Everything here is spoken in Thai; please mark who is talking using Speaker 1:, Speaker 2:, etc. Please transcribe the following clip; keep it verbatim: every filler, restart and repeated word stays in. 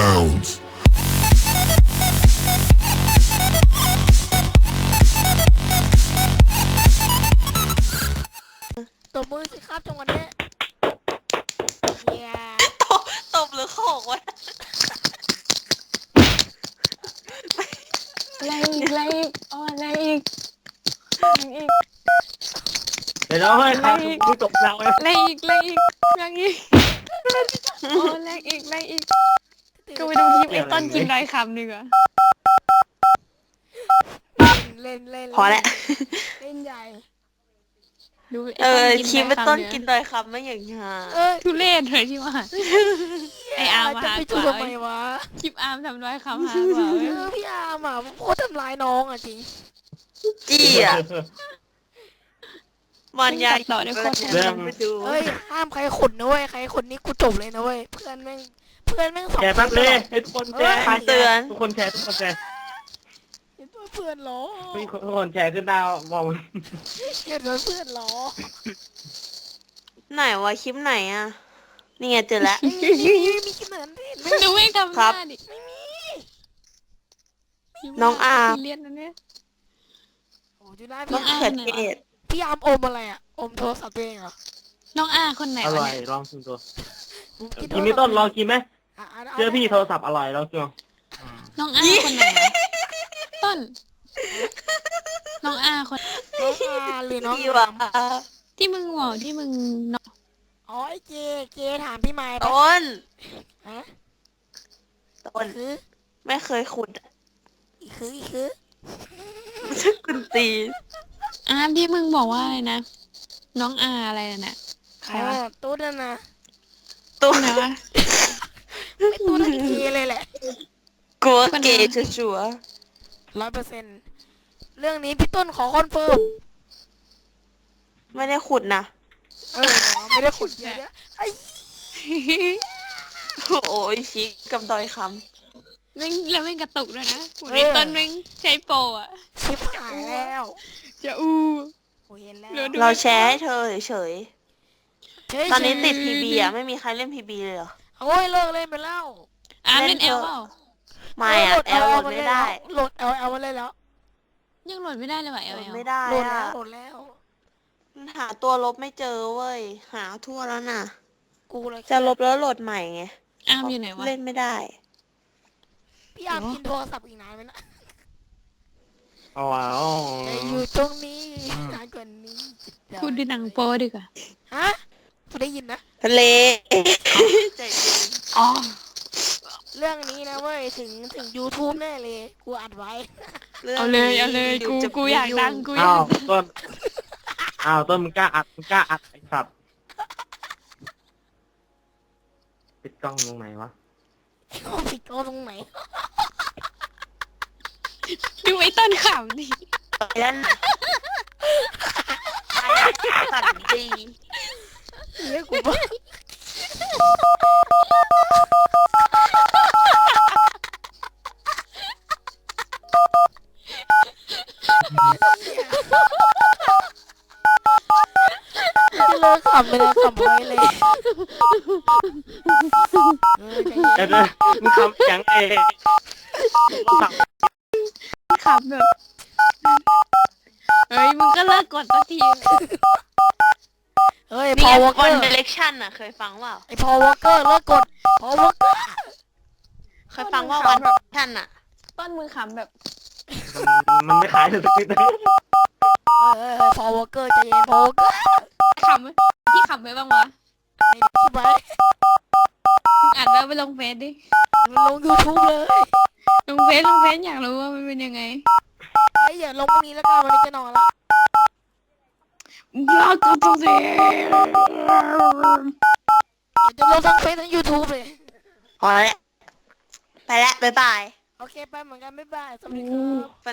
Speaker 1: rounds.
Speaker 2: ตบมือสิครับจังหวะนี้เย้
Speaker 3: ตบตบหรือโขกวะ
Speaker 4: อะไรอีกอะไรอีกอ๋ออะไรอีกอะไรอีก
Speaker 5: เดี๋ยวเราให้ครับผู้จบเราเลย
Speaker 4: อะไรอีกอะไรอีกอะไรอีกอ๋ออะไรอีกอะไรอีกก็ไปดูคลิปไอ้ต้นกินดอยคำดีกว่า
Speaker 2: เล่นเล่น
Speaker 3: พอแล้ว
Speaker 2: เล่นใหญ่
Speaker 4: ดูไอ้
Speaker 3: เอ
Speaker 4: ต้น
Speaker 3: อ
Speaker 4: กิน
Speaker 3: คลิป
Speaker 4: ด
Speaker 3: เป็
Speaker 4: อน ย
Speaker 3: ต้น
Speaker 4: คำ
Speaker 3: กิ
Speaker 4: เนี่ย
Speaker 3: นดอยคำไม่อย่างฮา
Speaker 2: เอ้ย
Speaker 4: ทุเรศเลยที่ว่าไอ้อาร์ม
Speaker 2: จะ
Speaker 4: หา
Speaker 2: ไป
Speaker 4: ก
Speaker 2: จู
Speaker 4: ว่า
Speaker 2: ทำไมวะ
Speaker 4: คลิปอาร์มทำดอยคำหากว่า
Speaker 2: เอ
Speaker 4: เว้ย
Speaker 2: อพี่อาร์มอ่ะโคตรทำร้ายน้องอ่ะจริง
Speaker 3: จี้อ่ะมันยา
Speaker 4: ต่อได้โคตร
Speaker 3: เริ่มไปดู
Speaker 2: เอ้ยห้ามใครขนนะเว้ยใครขนนี่กูจบเลยนะเว้ยเพื่อนแม่งเพื่อนแม่งสอง
Speaker 5: แชร์แป๊บเลยให้ทุกคนแชร์
Speaker 3: คำเตือน
Speaker 5: ทุกคนแชร์ทุกคนแชร์
Speaker 2: เห็นว่าเพื่อนเหรอ
Speaker 5: ทุกคนแชร์ขึ้นดาวมอง
Speaker 2: เห็นว่าเพื่อนเหรอ
Speaker 3: ไหนวะคลิปไหนอ่ะนี่ไงเจอแล้ว
Speaker 2: ไม่มีไม่มีขนาดนั้นไม่
Speaker 4: ดูไม่ทำห
Speaker 3: ครั
Speaker 4: น้า
Speaker 3: บ
Speaker 4: ดิ
Speaker 3: น้องอาร์ม
Speaker 4: เลียนนะเนี่ย
Speaker 2: โอ้ดูได้
Speaker 3: มะ
Speaker 2: พี่อา
Speaker 3: เขื
Speaker 2: ร์
Speaker 3: อ
Speaker 2: ม
Speaker 3: เทศ
Speaker 2: พี่อาร์มอมอะไรอ่ะอมโทรศัพท์ตัวเองเหรอ
Speaker 4: น้องอาคนไหน
Speaker 5: อ
Speaker 4: วะ
Speaker 5: ร่อย
Speaker 4: เนี่ย
Speaker 5: ลองชิมตัว
Speaker 2: ผมโทร
Speaker 5: กิน
Speaker 2: ศัพท์
Speaker 5: มีต้นลองกินไหม
Speaker 2: อ่ะะะ
Speaker 5: เจอพี่โทรศัพท์อร่อยลองชิม
Speaker 4: น้องอาคนไหนวะต้น น้องอาคน
Speaker 2: น้องอาร์หรือน้อง
Speaker 3: พี่
Speaker 2: อา
Speaker 3: วะ
Speaker 2: ร์ม
Speaker 4: ที่มึงบอกที่มึงน้อง
Speaker 2: อ๋อไอ้เจเจถามพี่ไม้ปะ
Speaker 3: ต้น
Speaker 2: ฮะ
Speaker 3: ต้น
Speaker 2: คือ
Speaker 3: ไม่เคยขุดอะ
Speaker 2: อีคืออีคือ
Speaker 3: ไม่ใช่คุณตี
Speaker 4: อาที่มึงบอกว่าอะไรนะ น้องอาอะไรน่ะใครวะ
Speaker 2: อ๋อตู้นั่นนะ
Speaker 3: ตัว
Speaker 4: ไหนวะ
Speaker 2: ไม่ตู้นั่นเจเลยแหละ
Speaker 3: กลัวเกย์ชัวร์
Speaker 2: ร้อยเปอร์เซ็นต์เรื่องนี้พี่ต้นขอคอนเฟิร์ม
Speaker 3: ๆไม่ได้ขุดนะ
Speaker 2: เออไม่ได้ขุดเยอะไอ้
Speaker 3: โอ้ยชิกับดอยค
Speaker 4: แม่งแล้วแม่งกระตุกด้วยนะหูในต้นแม่งใช้โปรอะ
Speaker 2: ชิบหายแล้ว
Speaker 4: จะอู
Speaker 2: โอ้เห็นแล้ว
Speaker 4: รู้ดู
Speaker 3: ำเราแชร์ให้เธอเฉย
Speaker 2: เฉย
Speaker 3: ๆตอนนี้ติดพีบีอ่ะไม่มีใครเล่นพีบีเลยเหรอ
Speaker 2: โอ้ยเลิกเล่นไปแล้ว
Speaker 4: อาเล่น
Speaker 3: เล่
Speaker 4: เอน ล
Speaker 3: เถอะ
Speaker 4: เปล่า
Speaker 3: ไม่อ่ะแอลโหลดไม่ได้
Speaker 2: โหลดแอลแอลมาเล่นแล้ว
Speaker 4: ยังโหลดไม่ได้เลยว่ะเอ
Speaker 3: โห
Speaker 4: ล
Speaker 3: ลด
Speaker 4: เอล
Speaker 3: ไม่ได้
Speaker 2: โหลดแล้
Speaker 3: อ่ะ
Speaker 2: วโหลดแล้ว
Speaker 3: หาตัวลบไม่เจอเว้ยหาทั่วแล้วน่ะ
Speaker 2: กูเลย
Speaker 3: จะลบแล้วโหลดใหม่ไง
Speaker 4: อาร์มอยู่ไหนวะ
Speaker 3: เล่นไม่ได้
Speaker 2: พี่อาร์มกินโทรศัพท์อีกนานไหมนะ
Speaker 5: อ๋ออ๋อ
Speaker 2: จะอยู่ตรงนี้นานกว่านี้
Speaker 4: พูดดูหนังโปรดีกว่า
Speaker 2: ฮะกูได้ยินนะ
Speaker 3: ทะเลใจเย็น
Speaker 4: อ๋อ
Speaker 2: เรื่องนี้นะเว้ยถึงถึง YouTube แน่เลย กูอัดไว้
Speaker 3: รื่อง
Speaker 4: เอาเลย
Speaker 3: นี้
Speaker 4: เอาเลยกู
Speaker 3: จะ
Speaker 4: กูอยากดังกูอยา
Speaker 5: อ้าก วต้นอ้าวต้นมึงกล้าอัดมึงกล้าอัดไอ้สัตว์ปิดกล้องตรงไหนวะ
Speaker 2: เขาผิดเขาตรงไหน
Speaker 4: ดูไอ้ต้นขำดิ
Speaker 3: ไปแล้วนะไปสัตว์ดี
Speaker 2: เรียกกูบ้าจะเลิกขำไปแล้วขำไปเลยเออใจเย็
Speaker 5: เดี๋ยวน เดี๋ยวมึงทำยังไงโทรศัพท์
Speaker 4: ขำแบบเฮ้ยมึงก็เลิกกดสักที
Speaker 2: เฮ้ย
Speaker 3: มี
Speaker 2: พอวอลเก
Speaker 3: ค
Speaker 2: อน ร์
Speaker 3: เดเรคชั่นอ่ะ เคยฟังเปล่า
Speaker 2: ไอพอวอลเกอร์เลิกกดพอวอลเกอร์
Speaker 3: เคยฟังว่าวันชั่นอ่ะ
Speaker 4: ต้นมือขำแบบ
Speaker 5: มันมันไม่ขายเลยสักทีนะ
Speaker 2: เออพอวอลเกอร์ใจเย็นพอวอลเกอร์
Speaker 4: ขำไหมพี่ขำไหมบ้างวะ
Speaker 2: ในที่ไว้
Speaker 4: มึงอัดแล้วไปลงเฟซดิ
Speaker 2: มันลง YouTube เลย
Speaker 4: ลงเฟซลงเฟซอยากรู้ว่ามันเป็นยังไง
Speaker 2: ไอ้ยอย่าลงพรุ่งนี้แล้วกันวันนี้จะนอนละ
Speaker 4: อยากก็ต้องเสีย
Speaker 2: เดี๋ยวจะลงทั้งเฟซทั้ง YouTube เลย
Speaker 3: พอแล้ว ไปแล้ว บ๊ายบาย
Speaker 2: โอเคไปเหมือนกันบ๊ายบายสวัสดีครับ